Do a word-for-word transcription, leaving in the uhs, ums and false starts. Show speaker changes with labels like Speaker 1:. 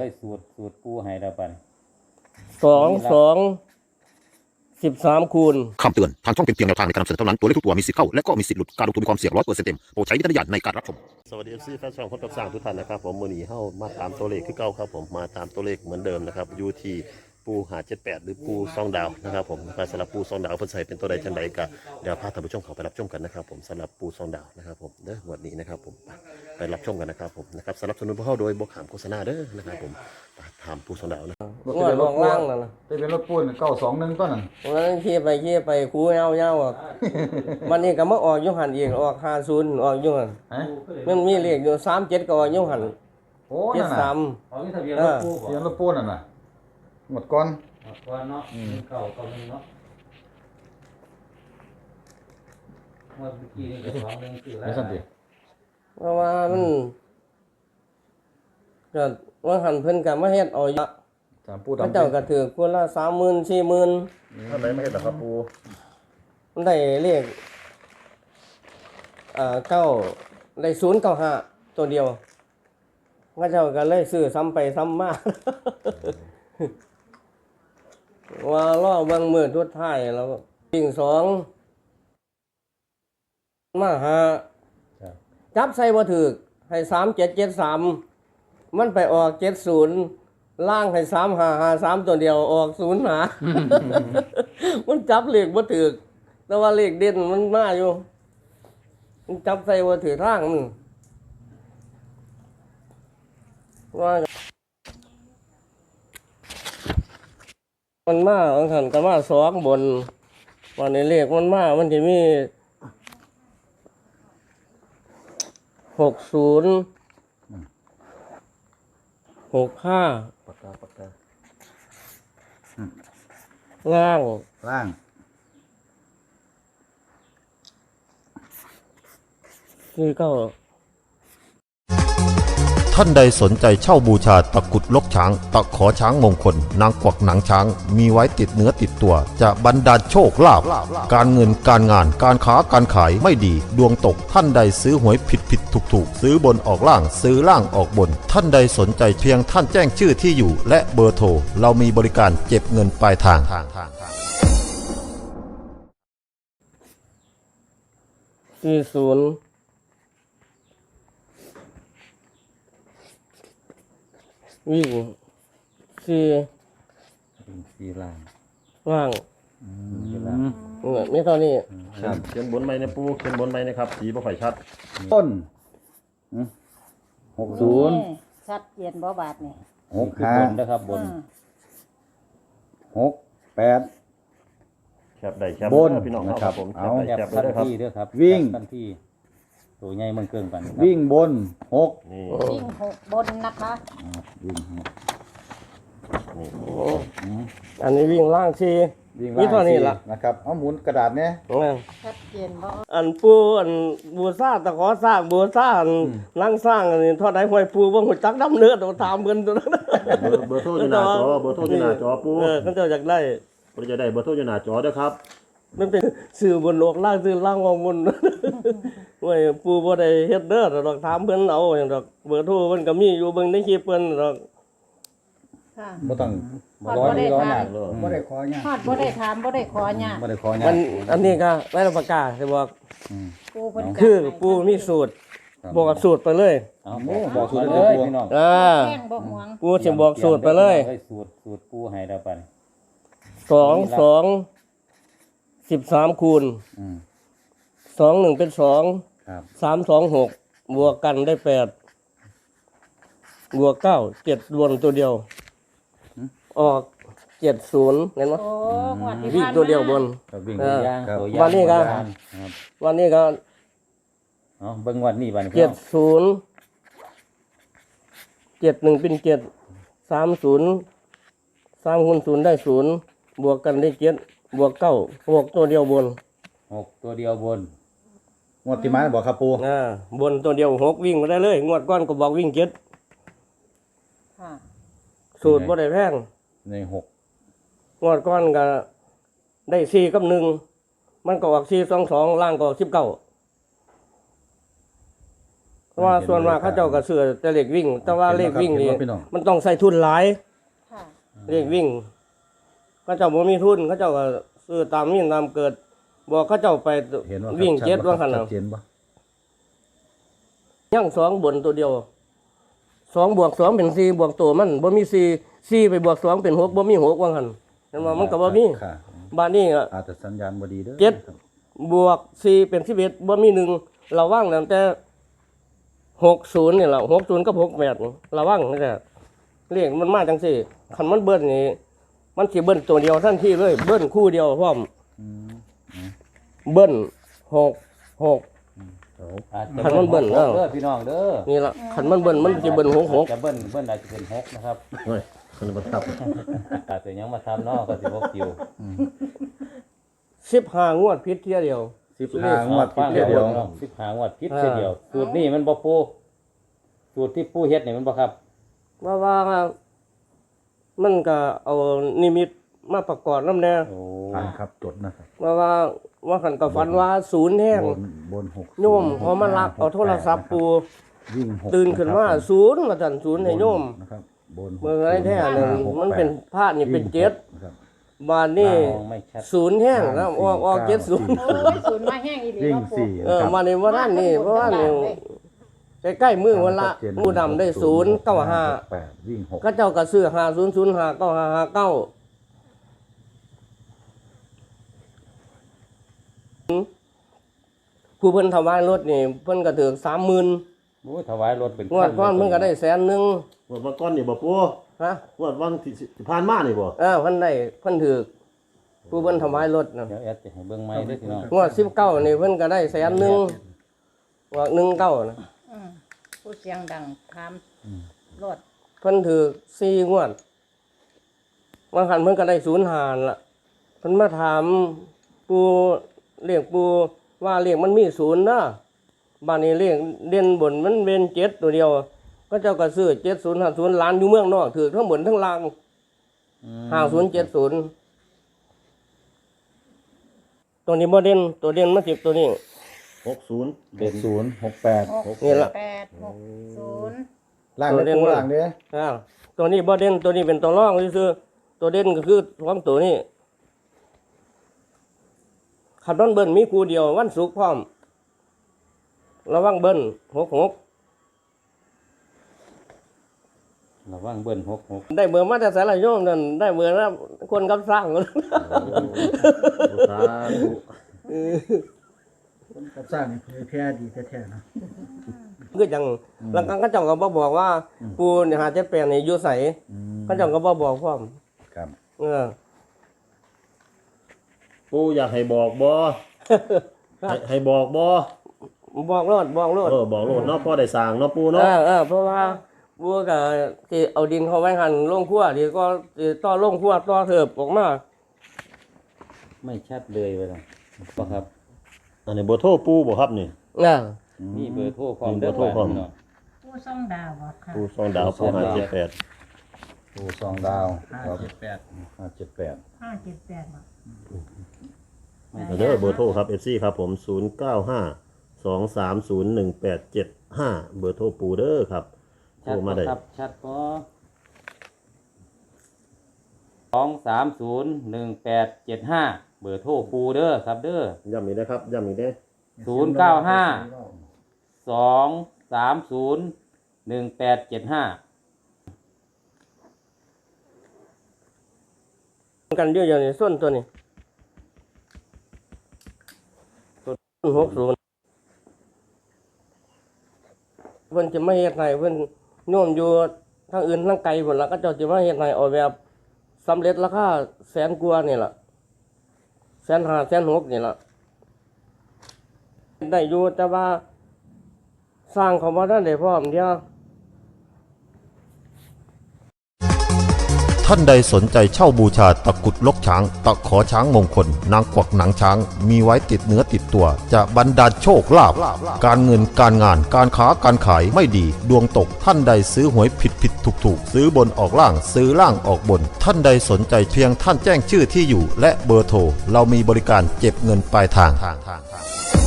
Speaker 1: เลยสูตรสูตรปูให้แล้วปัน
Speaker 2: สองสองสิบสามคูณ
Speaker 3: คำเตือนทางช่องเป็นเพียงแนวทางในการนำเสนอเท่านั้นตัวเลขทุกตัวมีสิทธิ์เข้าและก็มีสิทธิ์หลุดการลงทุนมีความเสี่ยงร้อยเปอร์เซ็นต์เต็มโปรดใช้วิจารณญาณในการรับชมสวัสดีเอฟซีแฟนช่องคนกับสร้างทุกท่านนะครับผมมือหนีเข้ามาตามตัวเลขคือเก่าครับผมมาตามตัวเลขเหมือนเดิมนะครับยูทีปูหาเจ็ดแปดหรือปูซองดาวนะครับผมการสลับปูซองดาวเพื่อใส่เป็นตัวใดจังใดก็เดี๋ยวพาท่านผู้ชมเข้าไปรับชมกันนะครับผมสำหรับปูซองดาวนะครับผมเด้อวันนี้นะครับผมไปรับชมกันนะครับผมนะครับสำหรับสนุนพวกเขาโดยบกขามโฆษณาเด้อนะครับผมถามปูซองดาวนะ
Speaker 2: งวดลงล่างนั่นนะ
Speaker 4: จะเป็นรถปูนเก้าสองหนึ่งต้นนั่น
Speaker 2: วันนั้นขี่ไปขี่ไปคูเงาเงาอ่ะวันนี้ก็มาออกยุหันอีกออกห้าศูนย์ออกยุหันมันมีเลขอยู่สามเจ็ดก็ออกยุหันเจ็ดสาม
Speaker 4: ทะเบียนรถปูทะเบียนรถปูนั่นน่ะหมดก้อน
Speaker 1: ก้อนเนาะเก่าเก่าหนึ่งเนาะเมื่อกี้นี่ก็สองหนึ่งคือแล้ว
Speaker 2: เพราะว่ามันก็ว่าหันเพิ่นกับมาเฮ็ดเอาเยอะพระเจ้าก็ถือคนละสามหมื่นสี่หมื่น
Speaker 4: ท่านไหนไม่เฮ็ดหรอครับปู
Speaker 2: มันได้เลขอ่าเก้าได้ศูนย์เก้าห้าตัวเดียวพระเจ้าก็เลยซื้อซ้ำไปซ้ำมาว่าล่อบางมือทุดท้ายแล้ววิ่งสองมาหาจับใส่บ่ถือให้สามเจ็ดเจ็ดสามมันไปออกเจ็ดศูนย์ล่างให้สามห้าห้าสามตัวเดียวออกศูนย์หา มันจับเลขบ่ถือแต่ว่าเลขเด่นมันมาอยู่มันจับใส่บ่ถือร่างมันว่ามันมาบางท่านก็มาสองบนวันนี้เลขมันมามันจะมีหกศูนย์หกห้า
Speaker 4: ปากกาปากกา
Speaker 2: ล่าง
Speaker 4: ล่าง
Speaker 2: นี่ก็
Speaker 3: ท่านใดสนใจเช่าบูชาตะกุดลกช้างตะขอช้างมงคลนางกวักหนังช้างมีไว้ติดเนื้อติดตัวจะบรรดาลโชคลาภการเงินการงานการค้าการขายไม่ดีดวงตกท่านใดซื้อหวยผิดผิดถูกถูกซื้อบนออกล่างซื้อล่างออกบนท่านใดสนใจเพียงท่านแจ้งชื่อที่อยู่และเบอร์โทรเรามีบริการเก็บเงินปลายทาง
Speaker 2: สี่ศูนย์วิ่งสี่
Speaker 4: สี่ล่าง
Speaker 2: ล่างไม่เท่านี้
Speaker 4: ครับ
Speaker 3: เขียนบนไม้ในปูเขียนบนไม้นะครับสีบ่ค่อยชัด
Speaker 4: ต้นหกศูนย์
Speaker 5: ชัดเจนบ่บาทนี่
Speaker 4: หกห้านะครับบนหกแปด
Speaker 3: แคบได้แคบบ
Speaker 4: น
Speaker 3: พี่น้อง
Speaker 4: นะครับผม
Speaker 1: เอาแคบทันทีด้วยครับ
Speaker 4: วิ่ง
Speaker 1: ทันทีตัวใหญ่มันเกินกัน
Speaker 4: วิ่งบนหก
Speaker 5: วิ่งหกบนนะคะ
Speaker 4: วิ่งหก
Speaker 2: อันนี้วิ่งล่างสี่
Speaker 4: วิ่งล่างสี่นะครับเอาหมุนกระดาษเนี่ย
Speaker 5: ชัดเจนบ่
Speaker 2: อันปูอันบัวซ่าตะขอสร้างบัวซ่านั่งสร้างอันนี้ทอดไหนห้อยปูบ่หุ่นจักดำเนื้อตัวตามเงินตัวนั้น
Speaker 3: เบอร์โทรอยู่หน้าจอเบอร์โทรอยู่หน้าจอปู
Speaker 2: เออเขาจะอยากได้
Speaker 3: เราจะได้เบอร์โทรอยู่หน้าจอด้วยครับ
Speaker 2: มันเป็นสื่อบนโลกล่างสื่อล่างวงบนห้วยปูบ่ได้เฮ็ดเด้อดอกถามเพิ่นเอาอย่างดอกเบอร์โทรเพิ่นก็มีอยู่เบิ่งในคลิปเพิ่นดอก
Speaker 5: ค่ะ
Speaker 4: บ่ต้อง
Speaker 5: ร้อยร้อยหนัก
Speaker 4: เลยบ่ได้ขอหยัง
Speaker 5: ฮอดบ่ได้ถามบ่ได้ขอหยัง
Speaker 4: บ่ได้ขอหยัง
Speaker 2: มันอันนี้ก็ไว้รับประกาศสิบอก
Speaker 5: ปูเพิ่น
Speaker 2: คือปูมีสูตรบอกสูตรไปเลย
Speaker 4: เอาบอกสูตรเลยพี่น้อง
Speaker 2: อ่าปูสิบอกสูตรไปเลย
Speaker 1: สูตรสูตรปูให้แล้วปัน
Speaker 2: สองสองสิบสามคูณสองหนึ่งเป็นสองสามสองหกบวกกันได้แปดบวกเก้าเจ็ดรวมตัวเดียวออกเจ็ดศูนย์เห็นไหมวิ่งตัวเดียวบนวันนี้ก็วันนี้ก็
Speaker 1: อ๋อเบิ่งวันนี้วัน
Speaker 2: เจ็ดศูนย์เจ็ดหนึ่งเป็นเจ็ดสามศูนย์สามคูณศูนย์ได้ศูนย์บวกกันได้เจ็ดบวกเก้าหกตัวเดียวบน
Speaker 1: หกตัวเดียวบน
Speaker 4: งวดที่มาบอกครับปู
Speaker 2: อ่าบนตัวเดียวหกวิ่งมาได้เลยงวดก้อนก็บอกวิ่งเจ็ดสูตรบ่ได้แพง
Speaker 4: ในหก
Speaker 2: งวดก้อนก็ได้สี่กับหนึ่งมันก็ออกสี่สองสองล่างก็สิบเก้าเพราะว่าส่วนมากเขาเจ้าก็ซื้อแต่เลขวิ่ง แต่ว่าเลขวิ่งนี่
Speaker 4: เห็นบ่ครับพี่น้อง
Speaker 2: มันต้องใส่ทุนหลาย
Speaker 5: ค่ะ
Speaker 2: เลขวิ่งเขาเจ้าบ่มีทุนเขาเจ้าก็ซื้อตามมีตามเกิดบอกเขาเจ้าไป
Speaker 4: เห็นว่า
Speaker 2: วิ่งเจ็ดว่าขนา
Speaker 4: ชั
Speaker 2: ด
Speaker 4: ดเจนบ่
Speaker 2: ย่างสองบนตัวเดียวสองบวกสองเป็นสี่บวกตัวมันบ่มีสี่สี่ไปบวกสองเป็นหกบ่มีหกว่าหั่นเห็นว่ามันก็บ่มี
Speaker 4: ค่ะ
Speaker 2: บ้านนี้ก็
Speaker 4: อาจจะสัญญาณบ่ดีเด้อ
Speaker 2: เจ็ด
Speaker 4: ครับ
Speaker 2: บวกสี่เป็นสิบเอ็ดบ่มีหนึ่งระวังตั้งแต่หกศูนย์นี่แหละหกศูนย์กับหกแปดระวังนี่แหละเรียกมันมาจังสี่คันมันเบิ้ลนี่มันสิเบิ้ลตัวเดียวทันทีเลยเบิ้ลคู่เดียวพร้อม
Speaker 4: อืม
Speaker 2: เบิ้ลหกหก
Speaker 1: อาจจะ
Speaker 2: คันมันเบิ้ล
Speaker 1: หกเด้อพี่น้องเด้อ
Speaker 2: นี่ละคันมันเบิ้ลมันสิเบิ้ลหกหก
Speaker 1: จะเบิ้ลเบิ้ลอาจจะเป็นหกนะครับ
Speaker 3: เฮ้ยคนบังคับ
Speaker 1: อาจจะยังมาทำเนาะก็สิบ่คิว
Speaker 2: สิบห้างวดพิษเที่ยเดียว
Speaker 4: สิบห้างวด
Speaker 1: ฟัง
Speaker 4: เดียว
Speaker 1: เดียวสิบหางวดพิษเทียเดียวสูตรนี่มันบ่ปูสูตรที่ปูเฮ็ดนี่มันบ่ครับ
Speaker 2: ว่าว่ามันก็เอานิมิตมาประกอบน้ำแน่
Speaker 1: โอ้
Speaker 4: อ่านครับจดนะครับ
Speaker 2: ว่าว่าว่าขันกับฝันว่าศูนย์แห้ง
Speaker 4: บนบนหก
Speaker 2: โยมพอมาลักเอาโทรศัพท์ปู
Speaker 4: วิ่งหก
Speaker 2: ตื่นขึ้นมาศูนย์มาสั่นศูนย์ให้โยม
Speaker 4: นะครับบนหก
Speaker 2: เมื่อไรแท้หนึ่ง
Speaker 4: หก
Speaker 2: มันเป็น
Speaker 4: แปด
Speaker 2: พาดนี่เป็นเจ็ด
Speaker 4: นะครับ
Speaker 2: บานนี่
Speaker 1: มองไม่ชัด
Speaker 2: ศูนย์แห้งแล้วออกออกเจ็ดศูนย์
Speaker 5: โอ้ยศูนย์มาแห้งอีหลี
Speaker 4: วิ่ง
Speaker 5: เนาะปู
Speaker 4: สี่
Speaker 2: เออ
Speaker 4: นะครับ
Speaker 2: มาในว่านั่นนี่เพราะว่านี่ใกล้ๆมือวันละมือดำได้ศูนย์เก้าห้า
Speaker 4: แปดวิ่งหก
Speaker 2: ก็เจ้ากระซื้อห้าศูนย์ศูนย์ห้าเก้าห้าห้าเก้าผู้เพิ่นถวายรถนี่เพิ่นก็ถือสามหมื่น
Speaker 1: โอ้ยถวายรถเป็น
Speaker 2: งวดก้อนเพิ่นก็ได้แสนหนึ่ง
Speaker 3: งวดวันก้อนนี่บ่ปู
Speaker 2: ฮะ
Speaker 3: งวดวันที่ที่ผ่านมานี่บ่
Speaker 2: เออเพิ่นได้เพิ่นถือผู้เพิ่นถวายรถนะ
Speaker 1: เดี๋ยวแอดจะให้เบิ่งไม้เด้อพี่น้อง
Speaker 2: งวดสิบเก้านี่เพิ่นก็ได้แสนหนึ่งงวดหนึ่งเก้านะ
Speaker 5: อืมผู้เสียงดังถามรถ
Speaker 2: เพิ่นถือสี่งวดบางคันเพิ่นก็ได้ศูนย์หารละเพิ่นมาถามปูเรียกปูว่าเรียกมันมีศูนย์นะบ้านนี้เรียกเด่นบนมันเป็นเจ็ดตัวเดียว ก็เจ้าก็ซื้อเจ็ดศูนย์ห้าศูนย์ล้านอยู่เมืองนอกถือทั้งบนทั้งล่างห้าศูนย์เจ็ดศูนย์ตัวนี้บ่เด่นตัวเด่นมาสิบตัวนี้
Speaker 3: หกศูนย์
Speaker 4: หกศูนย์หกแปด
Speaker 5: หก
Speaker 2: นี่ล่ะ
Speaker 5: แปดหกศูนย์
Speaker 4: ล่างเด้อปูล่างเด้อ
Speaker 2: อ่าตัวนี้บ่เด่นตัวนี้เป็นตัวรองซื่อๆตัวเด่นก็คือสองตัวนี้ขับรถเบิ้ลมีคู่เดียววันศุกร์พร้อมระวังเบิ้ลหกหก
Speaker 1: ระวังเบิ้ลหกหก
Speaker 2: ได้เบอร์มาแต่สารโยมนั่นได้เบอร์แล้วคนกับสร้าง
Speaker 3: สาธุ
Speaker 6: คนกับสร้างนี่เผยแพร่ดีแท้ๆนะ
Speaker 2: คือจังหลังกันเขาเจ้าก็บ่บอกว่าปูเนี่ยหาเจ็ดแปดนี่อยู่ไส
Speaker 4: อืม
Speaker 2: เขาเจ้าก็บ่บอกพร้อม
Speaker 4: ครับ
Speaker 2: เออ
Speaker 3: ปูอยากให้บอกบ่ให้ให้บอกบ่
Speaker 2: บอกโลดบอกโลด
Speaker 3: เออบอกโลดเนาะพ่อได้สร้างเนาะปู
Speaker 2: เอ
Speaker 3: เนาะ
Speaker 2: อเออเพราะว่าบัวกับที่เอาดินเขาไว้หันลงขั้วดีก็สิต่อลงขั้วต่อเถิบออกมา
Speaker 1: ไม่ชัดเลยไปแล้วบ่ครับ
Speaker 3: อันนี้เบอร์โทรปูบ่ครับนี่
Speaker 2: น่ะ
Speaker 1: มีเบอร์โทรพร้อม
Speaker 3: มีเบ
Speaker 1: เด้
Speaker 3: อ
Speaker 1: อ
Speaker 3: ร์โทรพร้อม
Speaker 1: พี่น้อง
Speaker 5: ผู้ส่องดาวบ่ค่ะ
Speaker 3: ปูสองดาวปูห้าเจ็ดแปด
Speaker 4: ปูสองดาว
Speaker 6: ห้า
Speaker 4: ครับ
Speaker 6: เจ็ดแปด
Speaker 4: ห้าเจ็ดแปด
Speaker 5: ห้าเจ็ดแปดบ่
Speaker 3: เด้อเบอร์โทรครับ เอฟ ซี ครับผมศูนย์เก้าห้า สองสามศูนย์ หนึ่งแปดเจ็ดห้าเบอร์โทรปูเด้อครับโท
Speaker 1: ชัด
Speaker 3: รมา
Speaker 1: บ่
Speaker 3: ได้
Speaker 1: ครับชัดบ่สองสามศูนย์หนึ่งแปดเจ็ดห้าเบอร์โทรปูเด้อครับเด้อ
Speaker 3: ย้ำอีกนะครับย้ำอีกเด้อ
Speaker 1: ศูนย์เก้าห้า สองสามศูนย์หนึ่งแปดเจ็ดห้า
Speaker 2: กันเยอะอย่างนี้ส้นตัวนี้ต้นหกศูนย์เพิ่นจะไม่เฮ็ดให้เพิ่นโน้มอยู่ทางอื่นทางไกลพุ่นละก็เจ้าจะมาเฮ็ดให้ออกแบบสำเร็จราคาแสนกว่านี่ล่ะแสนห้าแสนหกนี่ล่ะได้อยู่แต่ว่าสร้างเขาบ่ทันได้พร้อมเดียว
Speaker 3: ท่านใดสนใจเช่าบูชาตะกรุดลกช้าง ตะขอช้างมงคล นางกวักหนังช้าง มีไว้ติดเนื้อติดตัว จะบรรดาลโชคลาภการเงินการงานการค้าการขายไม่ดี ดวงตกท่านใดซื้อหวยผิดผิดถูกถูกซื้อบนออกล่างซื้อล่างออกบน ท่านใดสนใจเพียงท่านแจ้งชื่อที่อยู่ และเบอร์โทรเรามีบริการเก็บเงินปลายทาง